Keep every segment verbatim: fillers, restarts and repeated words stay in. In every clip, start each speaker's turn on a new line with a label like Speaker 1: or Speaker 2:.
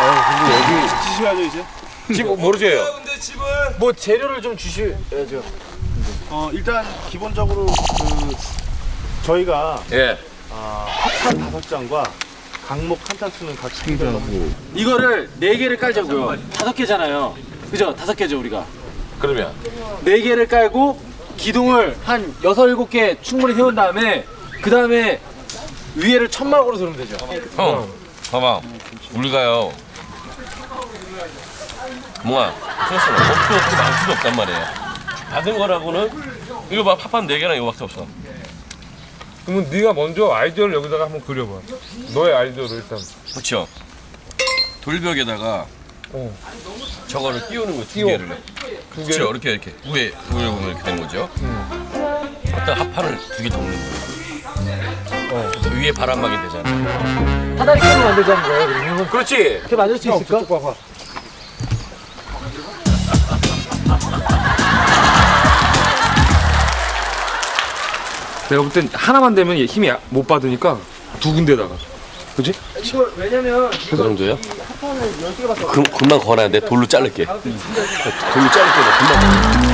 Speaker 1: 근데 여기
Speaker 2: 주시야죠 이제.
Speaker 1: 집 모르세요?
Speaker 2: 근데 집은
Speaker 3: 뭐 재료를 좀 주셔야죠.
Speaker 2: 어 일단 기본적으로 그 저희가
Speaker 1: 예.
Speaker 2: 아, 합판 다섯 장과 강목 한 탄수는 같이 챙겨가지고
Speaker 3: 이거를 네 개를 깔자고요. 다섯 개잖아요. 그죠? 다섯 개죠 우리가.
Speaker 1: 그러면
Speaker 3: 네 개를 깔고 기둥을 한 여섯 일곱 개 충분히 세운 다음에 그 다음에 위에를 천막으로 세우면 되죠.
Speaker 1: 형, 봐봐. 우리가요. 뭐야? 스트레스는 없고 없고 많을 수도 없단 말이에요. 받은 거라고는 이거 봐, 팝판 네 개랑 이거밖에 없어.
Speaker 4: 그러면 네가 먼저 아이디어를 여기다가 한번 그려봐. 너의 아이디어를 일단.
Speaker 1: 그렇죠. 돌벽에다가
Speaker 4: 어.
Speaker 1: 저거를 띄우는 거두
Speaker 4: 띄워.
Speaker 1: 개를.
Speaker 4: 두
Speaker 1: 그렇죠. 이렇게 이렇게 위에 위에 보면 이렇게 되는 거죠.
Speaker 4: 음.
Speaker 1: 어떤 합판을 두 개 덮는 거예요.
Speaker 4: 어.
Speaker 1: 그래서 위에 바람막이 되잖아.
Speaker 3: 사다리 깨로 만들자는 거예요. 그러면
Speaker 1: 그렇지.
Speaker 3: 이렇게 만들 수 있을까?
Speaker 4: 저쪽 봐봐. 내가 볼 땐 하나만 되면 얘 힘이 못 받으니까 두 군데다가. 그지?
Speaker 3: 이거 왜냐면
Speaker 1: 그 정도요? 금, 금방 걸어야 돼. 돌로 자를게. 돌로 자를게. 나 금방.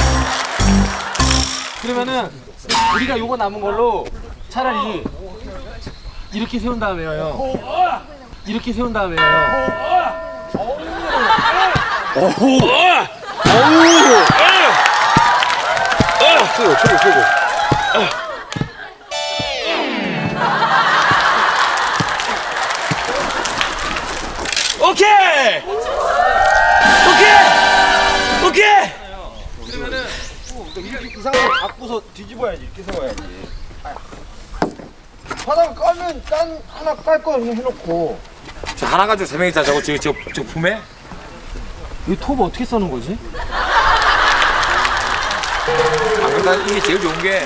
Speaker 3: 그러면은 우리가 요거 남은 걸로 차라리 이렇게 세운 다음에요. 형. 이렇게 세운 다음에요. 형.
Speaker 1: 오호.
Speaker 4: 최고, 최고, 최고.
Speaker 1: 오케이. 오케이. 오케이.
Speaker 3: 그러면은 이 상태로 바꾸서 뒤집어야지. 이렇게 세워야지.
Speaker 5: 하나 깔면 딴 하나 깔 거 그냥 해놓고.
Speaker 4: 저 하나 가지고 세 명이 자자고 저, 저, 저 품에?
Speaker 3: 이 톱 어떻게 써는 거지?
Speaker 4: 아, 근데 난 이게 제일 좋은 게.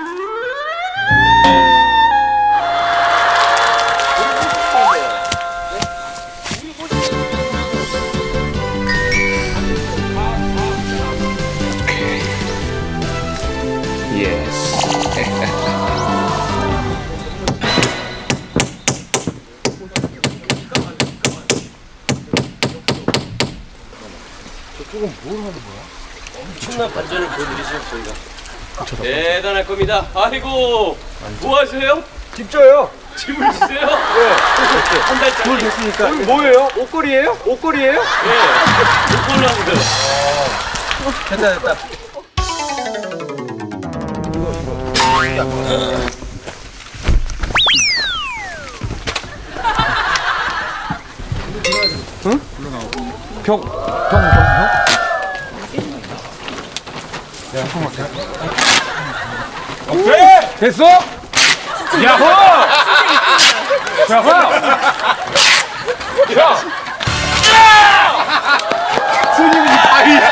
Speaker 1: 엄청난 반전을 보여드리죠 저희가. 대단할 겁니다. 아이고. 뭐 하세요?
Speaker 3: 집 줘요.
Speaker 1: 집을 주세요? 네. 한 달짜리.
Speaker 3: 뭘 됐으니까. 뭐예요? 옷걸이에요? 옷걸이에요?
Speaker 1: 네. 이걸로 하면 돼요.
Speaker 3: 됐다 됐다.
Speaker 4: 응? 벽, 벽, 벽, 벽? 오케이! 됐어? 야호! 야호! 야! 스님이 아이!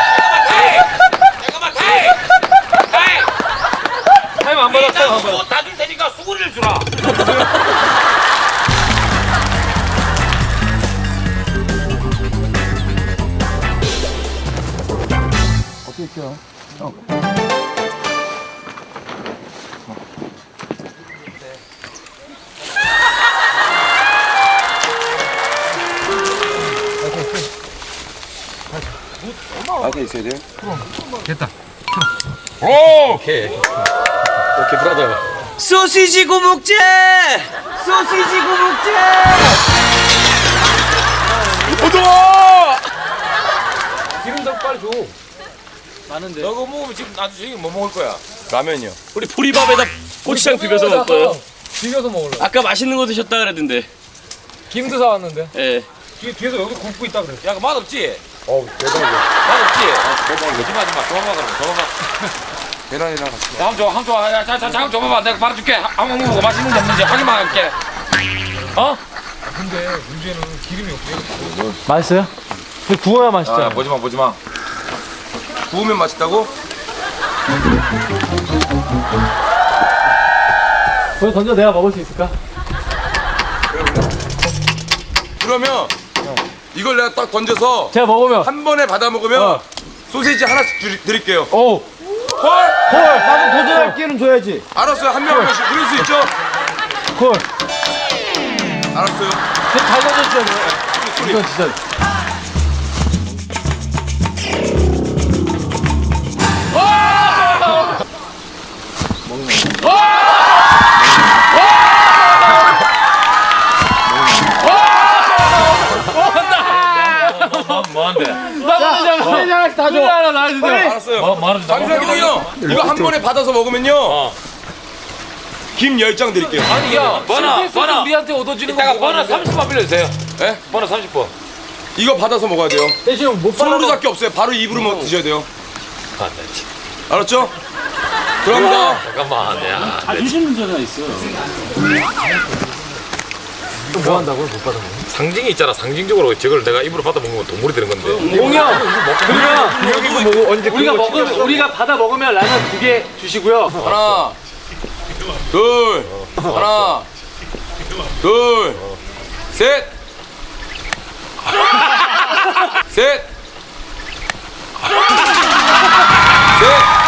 Speaker 4: 타임 안 받았어, 안 받았어.
Speaker 1: 다줄 테니까 수고리를 주라.
Speaker 4: 됐다.
Speaker 1: 오! 오케이. 오케이, 브라더.
Speaker 6: 소시지 구묵제! 소시지 구묵제!
Speaker 4: 기름도 빨리 줘.
Speaker 3: 많은데.
Speaker 4: 너 그거 먹으면 지금 나중에 뭐 먹을 거야?
Speaker 1: 라면요. 우리 보리밥에다 고추장 비벼서 먹을 거예요.
Speaker 4: 비벼서 먹을래.
Speaker 1: 아까 맛있는 거 드셨다 그랬는데.
Speaker 4: 김도 사왔는데.
Speaker 1: 예.
Speaker 4: 뒤에, 뒤에서 여기 굽고 있다 그래.
Speaker 1: 야, 그 맛없지?
Speaker 4: 어우, 대박이야.
Speaker 1: 맛없지?
Speaker 4: 대박이야.
Speaker 1: 하지 마, 하지 마. 줘봐봐, 그럼. 줘봐봐.
Speaker 4: 계란이랑 같이.
Speaker 1: 자, 한 줘, 한 줘. 야, 자, 자, 잠깐 줘봐봐. 내가 말해줄게. 한번 먹고 맛있는 게 없는지 확인만 할게. 어?
Speaker 4: 근데 문제는 기름이 없어.
Speaker 3: 맛있어요? 근데 구워야 맛있죠.
Speaker 4: 아, 보지 마, 보지 마. 구우면 맛있다고?
Speaker 3: 거기 던져 내가 먹을 수 있을까?
Speaker 7: 그러면 이걸 내가 딱 던져서
Speaker 3: 제가 먹으면.
Speaker 7: 한 번에 받아 먹으면
Speaker 3: 어.
Speaker 7: 소시지 하나씩 드, 드릴게요.
Speaker 3: 오.
Speaker 7: 콜!
Speaker 3: 콜. 나도 도전할 기회는 줘야지.
Speaker 7: 알았어요. 한 명 한 명씩 그럴 수 있죠?
Speaker 3: 콜.
Speaker 7: 알았어요.
Speaker 3: 잘 던졌잖아요.
Speaker 7: 옆구리.
Speaker 3: 이건 진짜.
Speaker 1: 뭐한데?
Speaker 3: 나도 다 줘. 하나 나와주세요.
Speaker 7: 알았어요.
Speaker 1: 뭐 뭐하는
Speaker 7: 잠시만요, 형. 이거 한 번에 받아서 먹으면요. 김 열 장 드릴게요.
Speaker 4: 아니 야
Speaker 1: 번호, 번호.
Speaker 4: 우리한테 얻어주는
Speaker 1: 이따가
Speaker 4: 거
Speaker 1: 번호 삼십 번 빌려주세요.
Speaker 7: 예?
Speaker 4: 번호 삼십 번.
Speaker 7: 이거 받아서 먹어야 돼요.
Speaker 3: 대신 못
Speaker 7: 손으로
Speaker 3: 받아서.
Speaker 7: 잡기 없어요. 바로 입으로 먹 드셔야 돼요.
Speaker 1: 아, 나 진짜.
Speaker 7: 알았죠? 들어갑니다.
Speaker 1: 잠깐만, 야.
Speaker 3: 뭐 한다고요? 못 받아.
Speaker 1: 상징이 있잖아. 상징적으로 저걸 내가 입으로 받아 먹으면 돈물이 되는 건데.
Speaker 3: 공영. 그러면
Speaker 4: 여기 이거 뭐 언제
Speaker 3: 우리가 먹으면 우리가 받아 먹으면 라면 두 개 주시고요.
Speaker 7: 하나, 둘, 하나, 둘, 셋, 셋, 셋.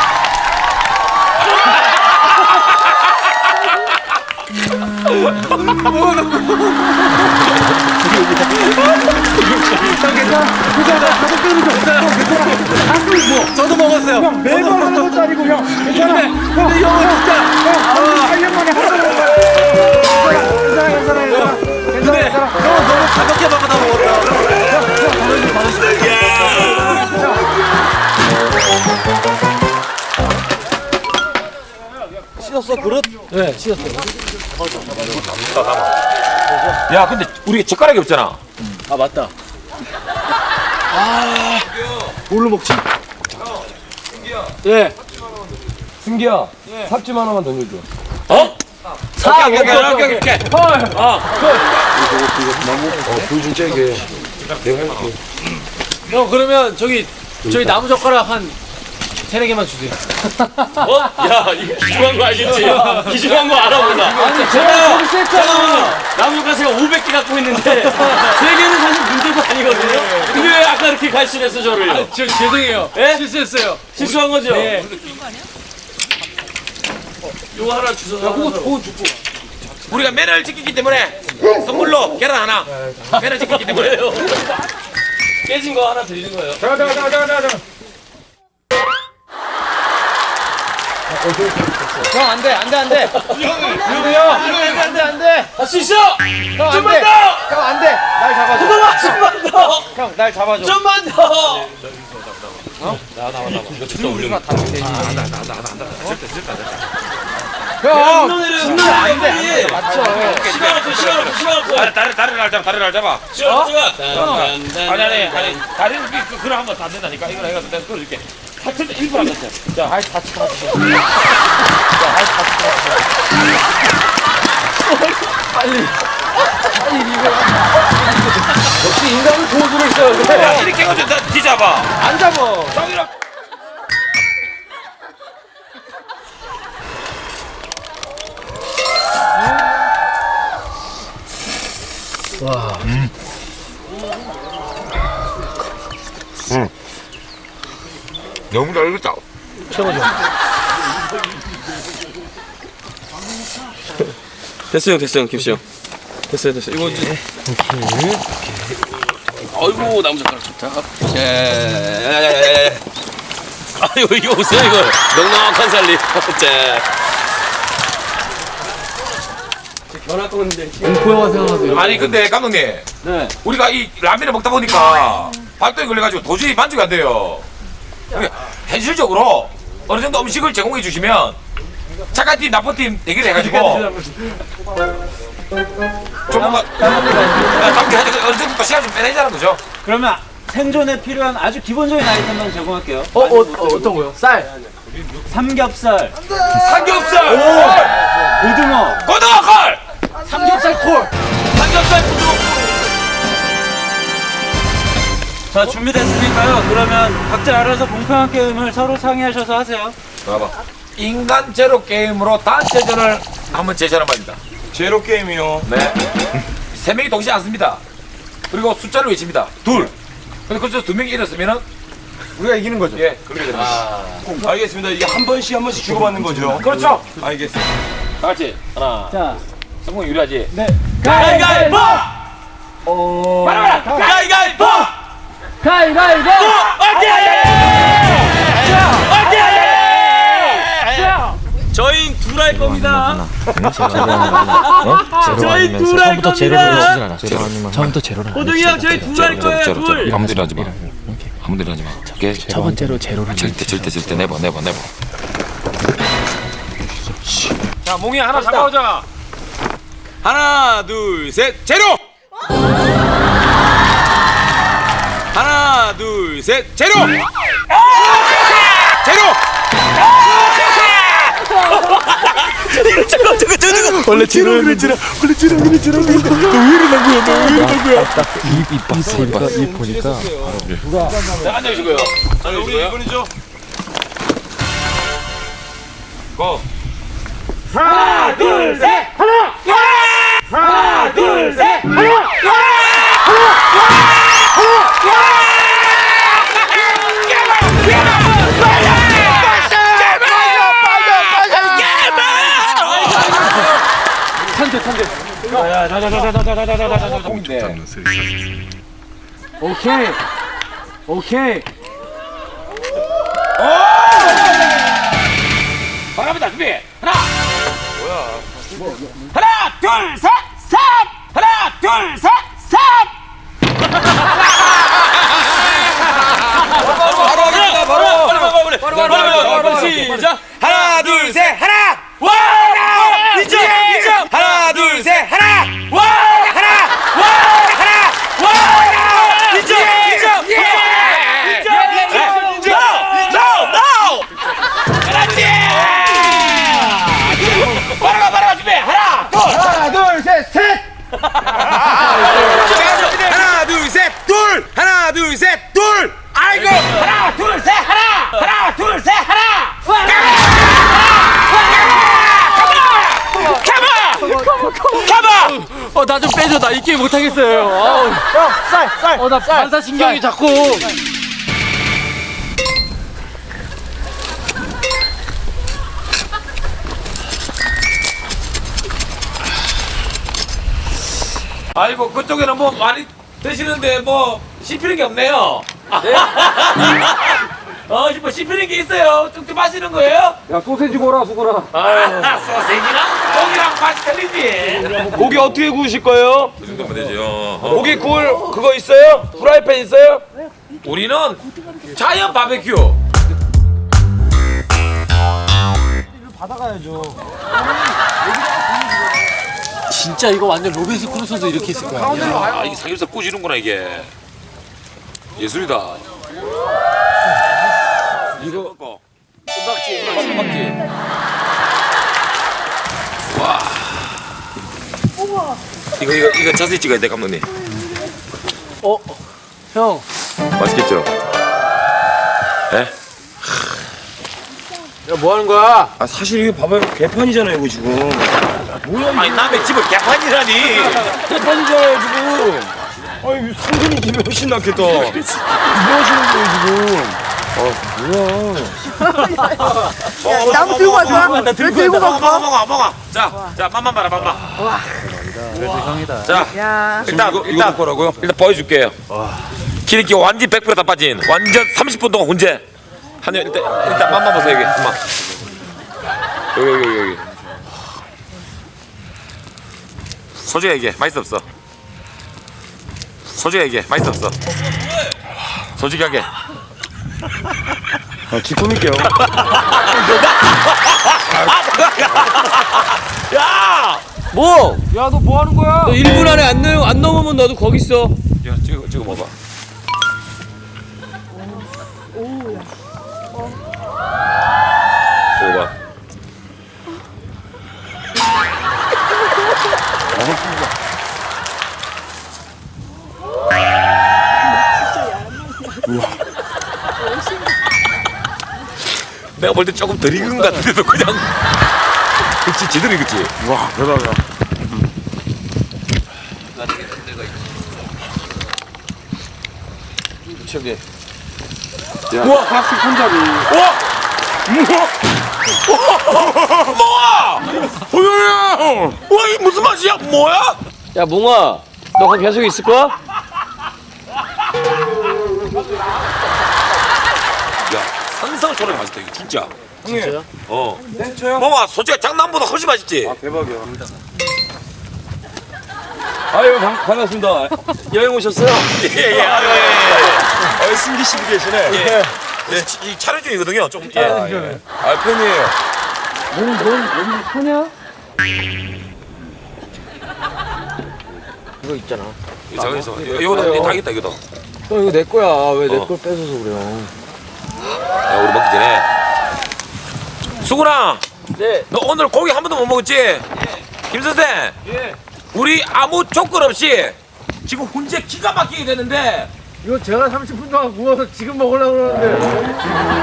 Speaker 3: 저도 먹었어요. 형 매번 하는 것도 아니고 형. 괜찮아. 근데, 근데 이 형은 진짜 형 팔 년 만에 하는 거야. 괜찮아 괜찮아 괜찮아. 괜찮아 괜찮아. 형 너무 가볍게 받아 먹었다. 씻었어 그릇? 네 씻었어.
Speaker 1: 야, 근데 우리 젓가락이 없잖아.
Speaker 3: 아 맞다. 아 뭘로 먹지? 예.
Speaker 4: 승기야 삽집 하나만 던져줘.
Speaker 1: 어?
Speaker 3: 사
Speaker 1: 오케이, 오케이, 오케이, 오케이, 오케이.
Speaker 3: 헐.
Speaker 1: 어.
Speaker 4: 불좀 쬐게. 내가 해볼게.
Speaker 3: 형 그러면 저기 저희 나무 젓가락 한 세네 개만 주세요.
Speaker 1: 어? 야, 이거 기중한 거 알겠지? 기중한 거 알아, 몰라?
Speaker 3: 아니 제가 거기
Speaker 1: 잠깐만요. 나무가 제가 오백 개 갖고 있는데 세 개는 사실 문제가 아니거든요. 근데 왜 아까 이렇게 갈신했어 저를요?
Speaker 3: 저 죄송해요.
Speaker 1: 예?
Speaker 3: 실수했어요.
Speaker 1: 실수한 거죠?
Speaker 3: 네.
Speaker 1: 이거 하나 주워.
Speaker 3: 그거 그거 주고.
Speaker 1: 우리가 매너를 지키기 때문에 선물로 계란 하나. 매너 지키기 때문에. 깨진 거 하나 드리는 거예요.
Speaker 4: 잠깐 잠깐 잠깐 잠깐 잠깐.
Speaker 3: 형 안돼 안돼 안돼. 누구요? 안돼 안돼 안돼.
Speaker 1: 할 수 있어.
Speaker 3: 형
Speaker 1: 좀만
Speaker 3: 안돼.
Speaker 1: 더.
Speaker 3: 형 안돼. 날 잡아줘.
Speaker 1: 잠깐만, 좀만 더.
Speaker 3: 형 날 잡아줘.
Speaker 1: 좀만 더.
Speaker 3: 형.
Speaker 1: 신는
Speaker 3: 안돼 안돼. 맞죠.
Speaker 1: 시간 없어, 시간 없어, 시간 없어. 다리, 다리, 다리를 알잡아, 다리를 알잡아. 시간 없어, 시간. 아니, 아니, 아니, 다리를 그, 그럼 한번 다 된다니까. 이걸 해가지고 내가 끌어줄게. 하여튼 일 분 안 됐어요. 자,
Speaker 3: 아이 다치 다치. 역시 인간은 도구로 있어야 돼.
Speaker 1: 야, 이렇게 해가지고 나 뒤잡아.
Speaker 3: 안 잡아.
Speaker 1: 저기랑.
Speaker 7: 너무 잘 익었다.
Speaker 6: 됐어요, 됐어요, 김씨 형. 됐어요, 됐어요. 이거 이제.
Speaker 1: 아이고, 나무 젓가락 좋다. 자, 아이고, 이거 보세요, 이거. 넉넉한 살림. 자.
Speaker 3: 공포영화 생각하세요.
Speaker 8: 아니 근데 감독님
Speaker 3: 네.
Speaker 8: 우리가 이 라면을 먹다 보니까 발도에 걸려가지고 도저히 만족이 안 돼요. 그러니까 현실적으로 어느 정도 음식을 제공해 주시면 착한 팀 나쁜 팀 대결을 해가지고 좀 뭔가 남게 해가지고 어느 정도 또 시간 좀 빼내자는 거죠.
Speaker 9: 그러면 생존에 필요한 아주 기본적인 아이템만 제공할게요.
Speaker 3: 어, 어, 어 어떤 거요? 쌀.
Speaker 9: 삼겹살,
Speaker 8: 삼겹살,
Speaker 9: 고등어,
Speaker 8: 고등어 콜,
Speaker 3: 삼겹살 콜.
Speaker 8: 삼겹살 고등어 콜.
Speaker 9: 자 준비됐으니까요. 그러면 각자 알아서 공평한 게임을 서로 상의하셔서 하세요.
Speaker 8: 인간 제로 게임으로 단체전을 한번 제시하는 바입니다.
Speaker 7: 제로 게임이요.
Speaker 8: 네. 세 명이 동시에 앉습니다. 그리고 숫자를 외칩니다. 둘. 근데 그래서 두 명이 일었으면은
Speaker 3: 우리가 이기는 거죠.
Speaker 8: 예, 그렇게 됩니다.
Speaker 7: 알겠습니다. 이게 한 번씩 한 번씩 주고받는 거죠.
Speaker 8: 그렇죠.
Speaker 7: 알겠습니다.
Speaker 1: 다 같이. 하나.
Speaker 9: 자,
Speaker 1: 성공 유리하지?
Speaker 9: 네.
Speaker 1: 가위바위보!
Speaker 8: 가위가위보!
Speaker 3: 가위바위보!
Speaker 6: 저희 둘 할 겁니다.
Speaker 9: 저희 둘 할 겁니다.
Speaker 10: 처음부터 제로를
Speaker 6: 호동이 형 저희 둘 할 거예요. 둘.
Speaker 8: 아무데나 하지 마. 아무데나 하지 마. 오케이?
Speaker 10: 첫 번째로 제로를
Speaker 8: 절대 절대 절대 내봐 내봐 내봐.
Speaker 4: 자 몽이 하나 잡아오자.
Speaker 7: 하나 둘 셋 제로. 하나 둘 셋 제로. 제로.
Speaker 6: 잠깐 잠깐 잠깐.
Speaker 2: 원래 제로 그래 제로 원래 제로 그래 제로 그래 너왜 이러는 거야 너왜 이러는 거야
Speaker 10: 입 봤으니까 입 보니까
Speaker 8: 자 앉아주시고요.
Speaker 7: 우리
Speaker 8: 앉아주시고요.
Speaker 7: 이분이죠.
Speaker 8: 고.
Speaker 3: 하나, 둘, 셋, 하나! 하나, 둘, 셋, 하나! 오케이. 오케이.
Speaker 8: 바랍니다. 준비. 하나. 뭐야? 하나, 둘, 셋, 셋. 하나, 둘, 셋, 셋.
Speaker 7: 바로 하겠습니다. 바로.
Speaker 8: 빨리 빨리 빨리 빨리 빨리 빨리 시작.
Speaker 7: 하나 둘 셋 하나.
Speaker 8: 와!
Speaker 7: 이점 이점. 하나 둘 셋 하나.
Speaker 8: 와!
Speaker 7: 하나.
Speaker 8: 와!
Speaker 7: 하나.
Speaker 8: 와!
Speaker 7: 이점 이점.
Speaker 8: 그렇지! 바로 바로 준비. 하나, 둘.
Speaker 5: 하나, 둘, 셋, 셋!
Speaker 7: 하나 둘 셋 둘. 하나 둘 셋 둘. 아이고.
Speaker 8: 하나, 둘, 셋, 하나. 하나, 둘, 셋, 하나.
Speaker 3: 어, 나 좀 빼줘. 나 이 게임 못하겠어요. 아우.
Speaker 5: 형, 쌀, 쌀!
Speaker 3: 어, 나 반사신경이 자꾸.
Speaker 8: 아이고 그쪽에는 뭐 많이 드시는데 뭐 씹히는 게 없네요. 어, 뭐 씹히는 게 있어요. 쭉쭉 마시는 거예요?
Speaker 3: 야, 소세지 먹어라, 수고라.
Speaker 8: 아, 소세지랑 고기랑 맛이 틀리지.
Speaker 7: 고기 어떻게 구우실 거예요?
Speaker 8: 그 정도면 되죠.
Speaker 7: 고기 구울 그거 있어요? 프라이팬 있어요?
Speaker 8: 우리는 자연 바베큐.
Speaker 3: 진짜 이거 완전 로빈슨 크루소도 이렇게 했을 거야.
Speaker 8: 아, 이게 삼겹살 꾸지는구나 이게. 예술이다. 이거 먹고. 은박지, 은박지. 와. 이거 이거 이거 자세히 찍어야 돼 감독님.
Speaker 3: 어, 형.
Speaker 8: 맛있겠죠? 예?
Speaker 7: 야 뭐 하는 거야?
Speaker 6: 아 사실 이거 봐봐요. 개판이잖아요 이거 지금.
Speaker 8: 아니 남의 집을 개판이라니.
Speaker 6: 개판이잖아요 지금. 아니 상근이 집이 훨씬 낫겠다. 뭐 하시는 거예요 지금?
Speaker 5: 야, 나무 들고 갈 거야? 왜 들고 갈
Speaker 8: 먹어
Speaker 5: 거야?
Speaker 8: 먹어 먹어. 자, 자 맛만 봐라 맛만. 와. 자,
Speaker 5: 야.
Speaker 8: 일단
Speaker 6: 이거
Speaker 8: 일단
Speaker 6: 이거 뭐라고요?
Speaker 8: 일단 보여줄게요. 기름기 완전 백 퍼센트 다 빠진 완전 삼십 분 동안 훈제. 한 일단 일단 맛만 보세요 여기. 맛. 여기 여기 여기 여기. 솔직히 얘기해 맛있어 없어? 솔직히 얘기해 맛있어 없어? 솔직하게.
Speaker 6: 아 지금일게요.
Speaker 8: 야!
Speaker 6: 뭐?
Speaker 3: 야, 너 뭐 하는 거야?
Speaker 6: 너 일 분 안에 안, 넘, 안 넘으면 너도 거기 있어.
Speaker 8: 야 찍어 찍어 먹어. 찍어 봐. 내가 볼 때 조금 덜 익은 것 같은데도 그냥 그치 제대로 익었지.
Speaker 6: 와 대박이야.
Speaker 8: 저기
Speaker 3: 우와, 플라스틱 손잡이.
Speaker 8: 뭐야? 뭐야? 와, 이 무슨 맛이야? 뭐야?
Speaker 6: 야 몽아, 너 거기 계속 있을 거야?
Speaker 8: 산성 초록이 맛있다 이거 진짜. 진짜요? 어. 네, 저요. 봐봐, 솔직히 장난보다 훨씬 맛있지.
Speaker 6: 아, 대박이야. 아유, 반, 반갑습니다. 여행 오셨어요?
Speaker 8: 예, 예, 아유, 예, 예.
Speaker 6: 아, 승기 씨도 계시네.
Speaker 8: 예. 네, 이 촬영 중이거든요. 좀. 예.
Speaker 6: 아, 예. 아, 팬이에요.
Speaker 3: 넌, 넌, 넌 하냐?
Speaker 6: 이거 있잖아.
Speaker 8: 이 장에서 이거다, 다 있다 이거다.
Speaker 6: 너 이거 내 거야. 왜 내
Speaker 8: 어.
Speaker 6: 걸 뺏어서 그래요?
Speaker 8: 야, 우리 먹기 전에. 수근아.
Speaker 6: 네.
Speaker 8: 너 오늘 고기 한 번도 못 먹었지? 예. 김 선생.
Speaker 6: 예.
Speaker 8: 우리 아무 조건 없이 지금 훈제 기가 막히게 되는데.
Speaker 3: 이거 제가 삼십 분 동안 구워서 지금 먹으려고 그러는데.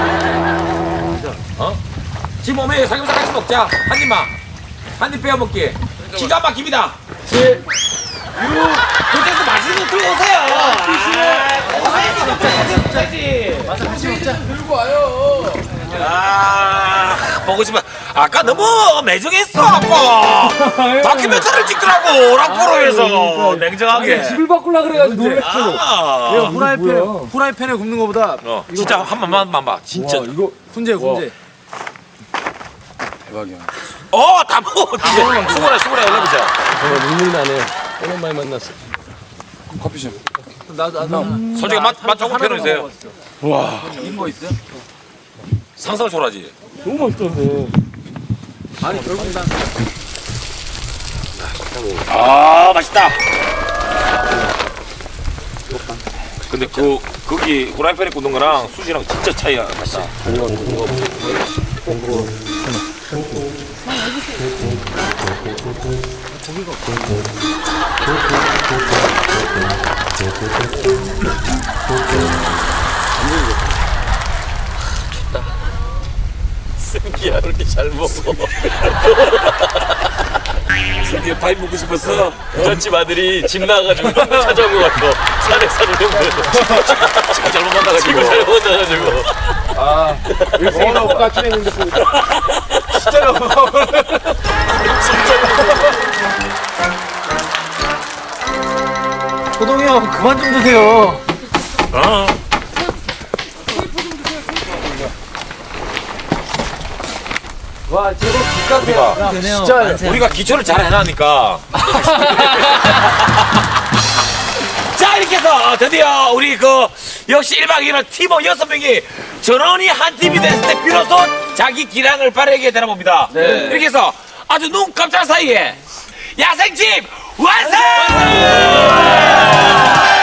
Speaker 8: 어? 지금 오면 삼겹살 같이 먹자. 한 입만. 한 입 빼어 먹기. 기가 막힙니다. 칠, 육. 도대체 맛있는 거 들고 오세요. 아, 보고 싶어. 아까 너무 매정했어, 아까. 다큐멘터리를 찍더라고, 락포로에서. 냉정하게.
Speaker 3: 집을 바꾸려 그래가지고 놀랬어.
Speaker 8: 아,
Speaker 3: 후라이팬에, 후라이팬에 굽는 거보다.
Speaker 8: 어, 진짜 한 번만 만 봐. 진짜.
Speaker 3: 이거 훈제, 훈제.
Speaker 6: 대박이야.
Speaker 8: 어, 다 먹어. 이제 수고래, 수고래 올라보자.
Speaker 6: 정말 눈물이 나네. 오랜만에 만났어.
Speaker 10: 커피 좀.
Speaker 3: 나도, 나도.
Speaker 8: 솔직히 맛, 맛 조금 표현해주세요.
Speaker 6: 와.
Speaker 3: 이거 있어요?
Speaker 8: 상상을 초라지.
Speaker 6: 너무 맛있던데.
Speaker 3: 아니, 결국 난.
Speaker 8: 아, 맛있다. 근데 그, 거기 후라이팬에 굽는 거랑 수지랑 진짜 차이가 맛있다.
Speaker 6: 승기야, 왜 이렇게 잘 먹어?
Speaker 8: 승기야, 파이 먹고 싶었어?
Speaker 6: 부잣집 아들이 집 나가가지고 찾아온 것 같아. 산에 사는 형들.
Speaker 8: 지금 잘못 만나가지고.
Speaker 6: 지금 잘 먹어가지고.
Speaker 3: 아, 이거 생각보다 같이 했는데. 진짜로. 호동이 형, 그만 좀 드세요.
Speaker 8: 어.
Speaker 3: 와, 저거 기가
Speaker 8: 우리가,
Speaker 3: 진짜.
Speaker 8: 우리가 기초를 잘 해놨으니까. 자, 이렇게 해서 드디어 우리 그 역시 일 박 이 일 팀원 여섯 명이 전원이 한 팀이 됐을 때 비로소 자기 기량을 발휘하게 되나 봅니다.
Speaker 3: 네.
Speaker 8: 이렇게 해서 아주 눈 깜짝 사이에 야생집 완성!